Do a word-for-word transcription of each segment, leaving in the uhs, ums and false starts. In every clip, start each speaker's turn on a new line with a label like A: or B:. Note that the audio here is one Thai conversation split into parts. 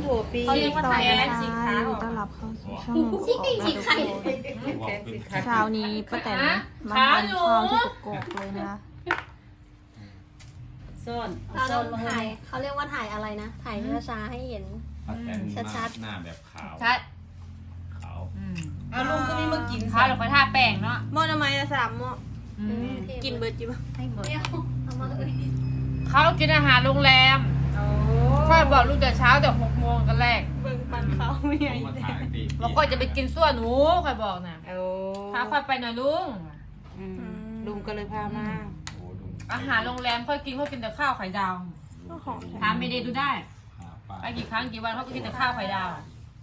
A: โถปี
B: เขาเรียกว่าไทยสีขาว
C: ต้อนรับเข้าสู่ช่องของ
B: สีสีไข่
C: เช้านี้ป้าแตนมาทานข้าวที่กกอกเลยนะคะ
A: ซ่อน
B: เราต้องถ่ายเขาเรียกว่าถ่ายอะไรนะ ถ่ายช้าๆให้เห็น ชัดๆ
D: หน้าแบบขาว
E: ชัด
D: ขาว
A: เอาลุงก็มีมากิน
E: ข้าวเดี๋ยวค่อยทาแป้งเนาะ
C: หม้อทำไมละสามหม้อ
E: อืม
C: กินเบิร์ดจิบะ
E: ให้หมด
B: ไม่เอาเอามาเลย
E: เขากินอาหารโรงแรม
A: โอ้
E: ค่อยบอกลูกแต่เช้าแต่หกโมงกันแรก
C: เบิ่งปันเขาไม่ใหญ่
D: มาถ่ายตี
E: แล้วค่อยจะไปกินซั่วหนูค่อยบอกน่ะ
A: โอ้
E: พาค่อยไปหน่อยลุง
A: อืมลุงก็เลยพามา
D: โอ้ดู
E: อาหารโรงแรมค่อยกินค่อยกินแต่ข้าวไข่ดาว
C: ของ
E: ถามไม่ได้ดูได้
D: หาป้า
E: ไปกี่ครั้งกี่วันเขาก็กินแต่ข้าวไข่ดาว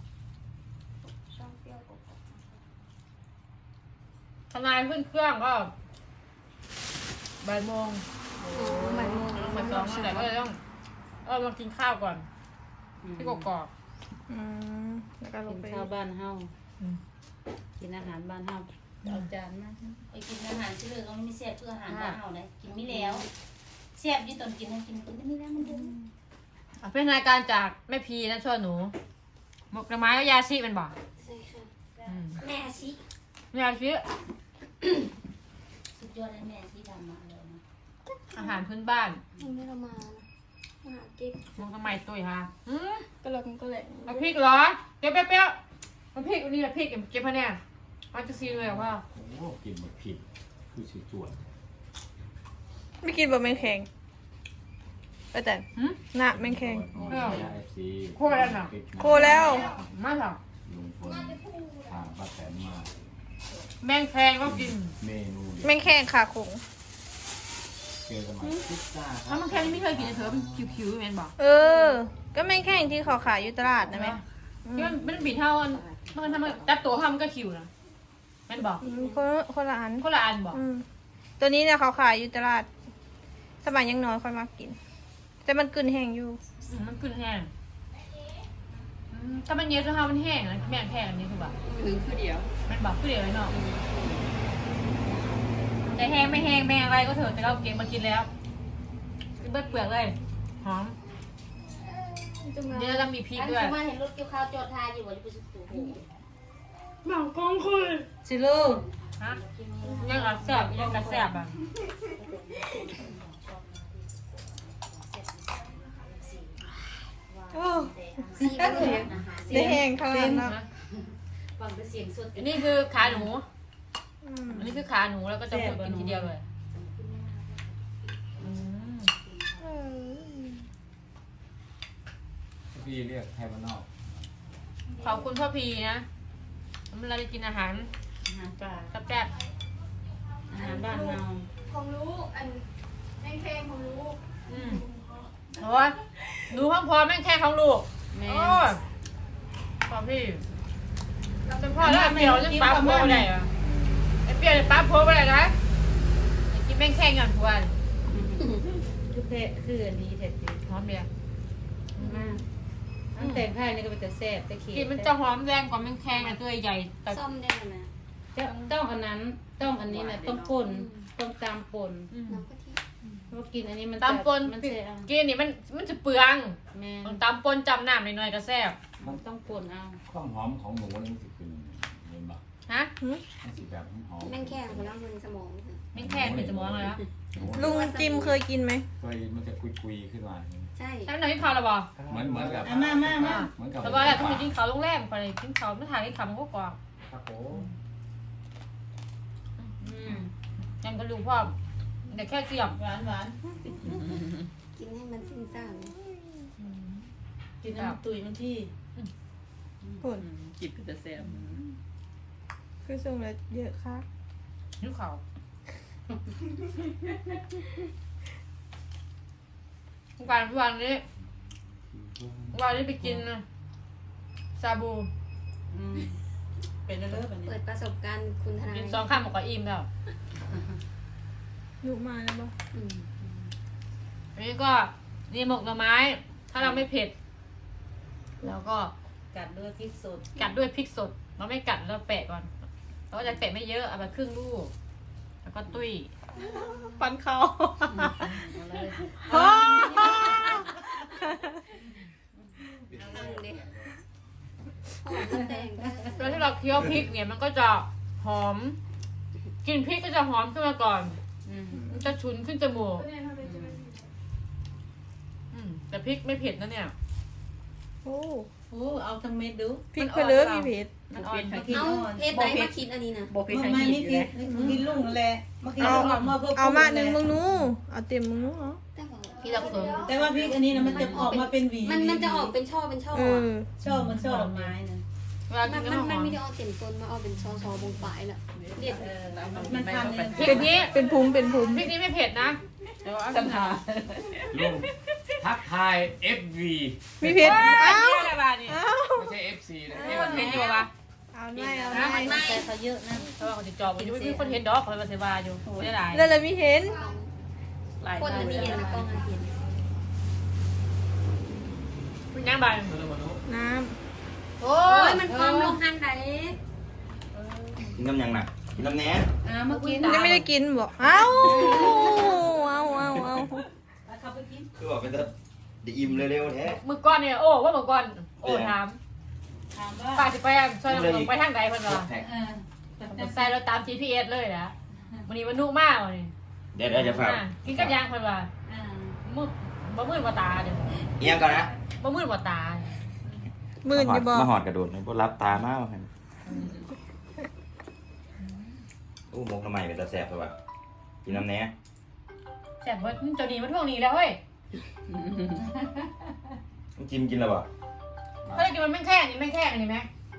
E: ทนายขึ้นเครื่องก็บ่ายโมง
B: โอ้บ่ายโมง
E: บ่ายสองนั่นแหละก็เลยต้องเออมากินข้าวก่อนที่กกอก
C: อืมแล้วก็ล
A: กิ
C: ง
A: น
C: ไป
A: ข้าวบ้านเฮา
E: อืม
A: กินอาหารบ้านเฮาเอาจานมา
F: ไปกินอาหารที่เหลือก็ไม่มีแซ่บเพื่ออาหารบ้านเฮาเลยกินไม่แล้วแซ่บยี่ตอนกินให้กินกินไม่แล้วมันเดิม
E: อ่ะเป็นรายการจากแม่พีนะช่วยหนูหมกหน่อไม้ก็ยาชีเป็นบอก
B: ใช่ค่ะ
E: อืม
B: แม่ชิ
E: ยาชี
F: สุดยอดเลยแม่ที่ทำมาเลยนะ
E: อาหารพื้นบ้าน
B: ยังไม่ได้มานะมาหาเก็บ
E: หมกหน่อไม้ตุ้ยฮะอืม
C: ก็เลยก็เลย
E: เอาพริกเหรอเก็บเปรี้ยวๆเอาพริกอันนี้เอาพริกเก็บพะแนนมันจะซีเลยเหรอว่า
D: โอ้กินหมดผิดคือสีจวด
C: ไม่กินบะแมงแข็งป้าแตน
E: หืม
C: หน้าแมงแข็ง
D: เออเอฟซี
E: โคตรแล้วน่ะ
C: โคแล้ว
E: มาเหรอ
D: ลุงพลพาป้าแตนมา
E: แมงแคงก็กิน
D: เมนูเด็ด
C: แมงแข็งขาขง
D: เจอกันใหม่พิซซ่าค
E: ถ้า
D: รับ
E: แมงแคงนี่ไม่เคยกินเลยเถอะมันคิวๆแมนบอก
C: เออ ก็แมงแข็งที่เขาขายอยู่ตลาดนะไหม
E: ที่มันมันบิดเท่ามันมันทำมันจับตัวเขามันก็คิวนะแมนบอก
C: อืมคนคนละอัน
E: คนละอันบอก
C: อืมตัวนี้เนี่ยเขาขายอยู่ตลาด สมัยยังน้อยค่อยมากิน แต่มันกลืนแห้งอยู่
E: อืมมันขึ้นแห้งอืมถ้ามันเยอะจนเขามันแห้งนะแมงแคงอันนี้คือแบบ
A: ถึงคือเดียว
E: มันบอกคือเดียวเลยเนาะแต่แห้งไม่แห้งแมงอะไรก็เถอะแต่เราเก็บมากินแล้วกินเบิดเปลือกเลยหอมเดี๋ยวเราต้องมีพริก
F: อัน
E: ด้วย
F: ที่มาเห็นรถเกี่ยวข้าวจอดทายอยู่ว่าจะไปสุดตัวโอ้โห
A: สิลูก
E: ฮะยังกระแซบยังกระแซบอ่ะ
C: โอ้
F: ซีมันเลย
C: ได้แห้งขนาดนั้น
F: ฟังเป็นเสียงสด
E: อันนี้คือขาหนู
C: อืม
E: อันนี้คือขาหนูแล้วก็จะพูดกินทีเดียวเลยอืม
C: เออ
D: พี่เรียกไทยบ้านนอก
E: ขอบคุณพ่อพีนะเวลาจะกินอาหาร
A: อาหารป่า
E: แซ่บ
A: อาหารบ้านเฮา
B: ผมรู้อันแม่งเพลงผมรู้
E: ๆอืมโอ้ยหนูพร้อมๆแม่งแค่ของลูก
A: แม่
E: โอ้ยพ่อพี่จนพ่อแล้วเปรี้ยวจะปั๊บพัวไปไหนอ่ะไอ้เปรี้ยวจะปั๊บพัวไปไหนนะไอ้กินแม่งแค่งานพัว
A: คือเพะคืออันนี้แท้จริง
E: หอมเบียร์
A: มากอันแต่งไทยนี่ก็เป็นแต่แซ่บแต่เค็ม
E: กินมันจะหอมแรงกว่าแม่งแค่งอ่ะตัวใหญ่แต่
B: ซ่อมได้ไหม
A: จะต้องอันนั้นต้องอันนี้นะต้องป่นต้องตามป่น
E: อืม
B: น้ำกะทิ
A: เพราะกินอันนี้มัน
E: ตำปน
A: มันเสีย
E: กินนี่มันมันจะเปลือง
A: แม่
E: ต้องตำปนจำน้ำหน่อยๆก็แซ่บ
A: มันต้องป่นเอา
D: ความหอมของหนูนี่มันสิเป็นเห็นปะ
E: ฮะ
D: มันสิแบบหอม
B: แม่งแข้งไปแล้วมันสมอง
E: แม่งแค่เป็นสมองเลยนะ
C: ลุงจิมเคยกินไหม
D: เคยมันจะคุยๆขึ้นมา
B: ใช่
E: ใช่ไหมที่เขาหรอบ่
D: เหมือนเหมือนกับ
A: เอามามามา
D: เหมือนกับ
E: แต่ว่าต้องไปกินเขาโรงแรมไปกินเขาไม่ถ่ายกินเขามันก็กรอบ
D: ครับผม
A: อืม
E: ยังก็รู้พ่อแต่แค่เสียบหวานหวาน
B: กินให้มันสิ้นซ่าน
A: กินน้ำตุยมันที่
C: ปุ่น
A: จิบเป็นแต่แซ่บ
C: คือส่งแล้วเยอะค่ะ
E: นิ้วเขาวันวันนี้วันนี้ไปกินซาบู
A: อืมเป็นเลิศแบบนี้
B: เปิดประสบการณ์คุณทนาย
E: กินสองข้ามบอกว่าอิ่มแล้ว
C: อยู่มาแล้วบ่
B: อืม
E: อันนี้ก็นี่หมกหน่อไม้ ถ้าเราไม่เผ็ดแล้วก็
A: กัดด้วยพริกสด
E: กัดด้วยพริกสด เราไม่กัดเราแปะก่อน เราก็จะแปะไม่เยอะเอาไปครึ่งลูก แล้วก็ตุ้ย
C: ปันเขา
A: เอาเลย
B: ทำเด็กแต่ง
E: เวลาที่เราเคี้ยวพริกเนี่ยมันก็จะหอมกลิ่นพริกก็จะหอมขึ้นมาก่อน
A: อืม
E: มันจะฉุนขึ้นจมูกอืมแต่พริกไม่เผ็ดนะเนี่ย
C: โอ้
A: โอ้เอาทั้งเม็ดดู
C: พริกเพลือมีเผ็ด
E: มันอ่อน
A: มากิน
B: เอา
A: อ่อน
B: เพชรไหนมาคิดอันนี้นะ
G: บอกพี่
A: เมื่อ
G: ทาง
A: มา
G: หิ
A: นี่
G: น
A: กิ
G: เล
A: น
G: ย
A: กินลุงแหละมากิน
C: เอา
A: ลุงมาเพื่อ
C: เอามาหนึ่งมึงนู้เอาเต็มมึงนู้เอา
B: แต่ว่า
E: ที่เราเคิร์ม
A: แต่ว่าพริกอันนี้นะมันจะออกมาเป็นหวี
B: มันมันจะออกเป็นช่อเป็นช่อ
C: เอ
B: อะ
C: อ
A: ชอบมันชอบดอกไม้นะ
E: เวลา
B: มั
E: กิ
B: น
E: นก็
B: มัน
E: ห
B: มั
E: อน ม
B: ไม่ได้ออกเต็มต้นมาออกเป็นช่อช่อบงปลายแหละเรียก
A: มันทำเนี่ย
E: พริกนี้
C: เป็นภูมิเป็นภูมิ
E: พริกนี้ไม่เผ็ดนะแต่ว่า
G: สัมภา
D: ลุงทักทาย เอฟ วี
C: มีเผ็ด
E: เอ้า
C: เอ้า
E: อะไรบ้านี่
C: เอ้า
D: ไม่ใช่ เอฟ ซี นะ
E: มีคนเห็นอยู่ปะ
C: เอาไม่เอา
E: นะ
C: ไม่
A: แต่เขาเยอะนะ
E: เพราะว่าเขาจะจอบอยู่ไม่มีคนเห็นดอกเขาไปเสบาอยู่ไม่ได้หลาย
C: แล้วเรามีเห็น
G: หลาย
B: คนอันนี้เห็นนะกล้องอันเห็น
E: ย่างบาน
C: น้
E: โอ้
B: โอ้
E: ย
B: ยมันความลงหันไหน
H: กินน้ำยังน่ะกินน้ำแหน่
A: อ่ามากิน
C: ำยังไม่ได้กินบอกเอ้าเอาเอาเอา
A: เขาไปกิน
H: คือบอกเป็นจะได้อิ่มเร็วๆแท้
E: มือก้อนเนี่ยโอ้ว่ามือก้อนโอ้ถาม
A: ถามว่า
E: ป้าจะไปอ่ะช่วยน้องไปทางใดเพิ่นว่า
H: แท็ก
A: เออ
E: ใส่เราตาม จี พี เอส เลยนะวันนี้มันนุ่มมากวันนี้
H: เดี๋ยวเดี๋ยวจะฝาก
E: อ่ะกินกับยางเพิ่นว่า
A: อ่า
E: มืดบ่มืดบ่ตาเด้อ
H: เอียงก่อนนะ
E: บ่มืดบ่ตา
C: มื่นอยู่บอก
H: มาหอดกระโดดมันพวกรับตามากว่ากันอู้มกทำไมเป็นตาแสบเลยวะกินน้ำแหน่
E: แซ่บเบิดเจ้านี้มันท่วงนี้แล้วเฮ้ย
H: ต้องจิ้มกินแล้วบ่
E: เฮ้ยกินมันแม่งแข้งนี่แม่งแข้งอันนี้ไหม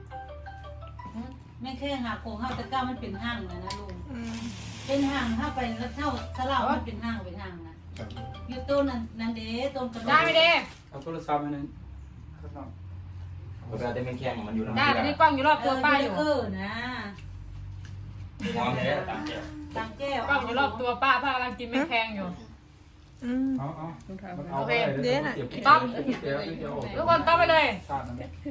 A: แม่แค่หาโคงห้าตะก้ามันเป็นห้างนะนะลุง
C: อืม
A: เป็นห้างถ้าไปแล้วเท่าสลาวมันเป็นห้างเป็นห้างนะอยู่ต้นนั้นนั่นเด้ต้นกระโดด
E: ได้ไหมเด้
I: เอาโทรศัพท์มาหนึ่ง
H: เวลาได้แม่งแข้งมันอยู่ทาง
E: ได้
H: นี้
E: แต่นี่กล้องอยู่รอบตัวป้าอยู่
A: เออนะ
H: หอมเลยตามแก้ว
A: ตามแก้ว
E: กล้องอยู่รอบตัวป้าป้ากำลังกินแม่งแข้งอยู่
C: อืม
I: เอาเอาเอา
E: โอเค
I: ไปเลยเดี๋ยวเก็บ
E: ต๊อบ
I: เดี๋ยวเดี๋ยวเดี๋ยว
E: ทุกคนต้องไปเลย
I: ชาตินั่นแหละ